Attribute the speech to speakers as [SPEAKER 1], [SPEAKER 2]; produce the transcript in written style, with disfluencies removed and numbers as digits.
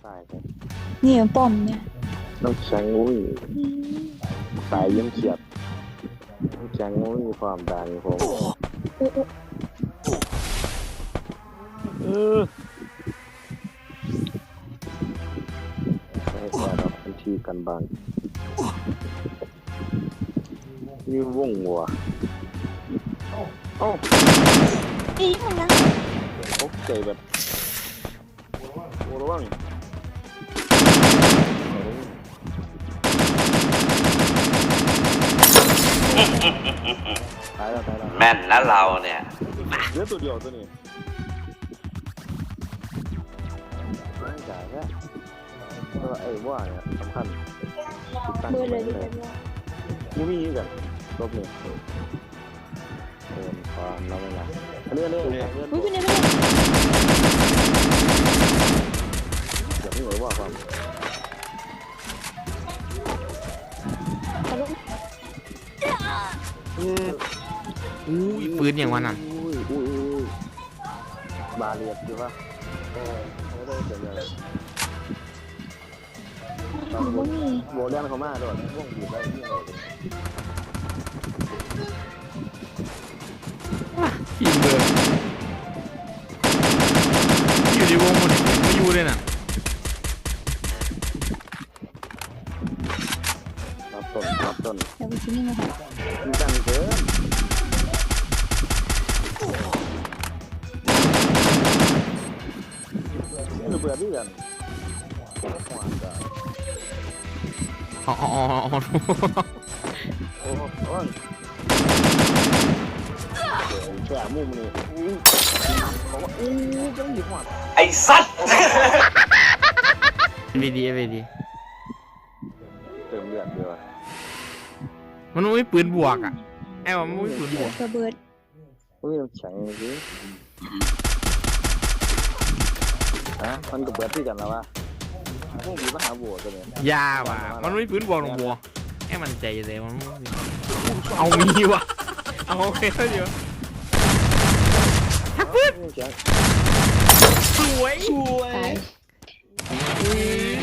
[SPEAKER 1] ตายไป
[SPEAKER 2] นี่ป้อมเนี่ย
[SPEAKER 1] น้ำแข็งอุ้ยตายยังเฉียดน้ำแข็งอุ้ยความดังผมให้แก่เราทันทีกันบ้างนี่วงวัวโอ้
[SPEAKER 2] อีมันนะ
[SPEAKER 1] ตกใจแบบโอ้ระวังตายแล้ว
[SPEAKER 3] แม่นนะเราเนี่ย
[SPEAKER 1] เหลือตัวเดียวตัวนี้ไม่จ่ายแค่ตัวไอ้ว่าเนี่ยสำคัญ
[SPEAKER 2] เบอร์เลยดีกว่า
[SPEAKER 1] มูมี่กันรอบนี้ความเราไม่ละอันนี้
[SPEAKER 2] อุ้ยเป็นไงเป็นไง
[SPEAKER 1] อย่างนี้เลยว่าความ
[SPEAKER 2] ตลก
[SPEAKER 4] อู้ยปืนอย่างวันน่ะ
[SPEAKER 1] อุ้ยบาเรียดอยู่ปะไม่ได้เกิดอะไร
[SPEAKER 2] ผมว่ามี
[SPEAKER 1] โบเลี้ยงเขามาด้วยพวกอยู่ได้ที่ไหน
[SPEAKER 4] ทีมเบอร์อยู่ในวงหมดไม่อยู่เลยน่ะ
[SPEAKER 1] รับต้น
[SPEAKER 2] เดี๋ยวไปชิ้นนี้มาค่ะ
[SPEAKER 1] มีกันเกินนี่เบื่อที่กัน
[SPEAKER 4] อ๋อ
[SPEAKER 1] โอ้โหแฉมุมนี่บอกว่าจังหยิบหัว
[SPEAKER 3] ไอ้สัตว์
[SPEAKER 4] FVD
[SPEAKER 1] เติมเลือดเดียว
[SPEAKER 4] มันไม่ปืนบวกอ่ะไอ้ว่ามันไม่ปืนบวก
[SPEAKER 2] ระเบิด
[SPEAKER 1] อุ้ยแข็งจริงมันก็เบิดที่กันแล้ววะพวกมีปัญหาบัวตัวนี้
[SPEAKER 4] ยาว่ะมันไม่ปืนบวกหรอกบัวไอ้มันใจเลยมันเอามีว่ะเอาโอเคเดี๋ยวทักปืนสวย
[SPEAKER 2] ตาย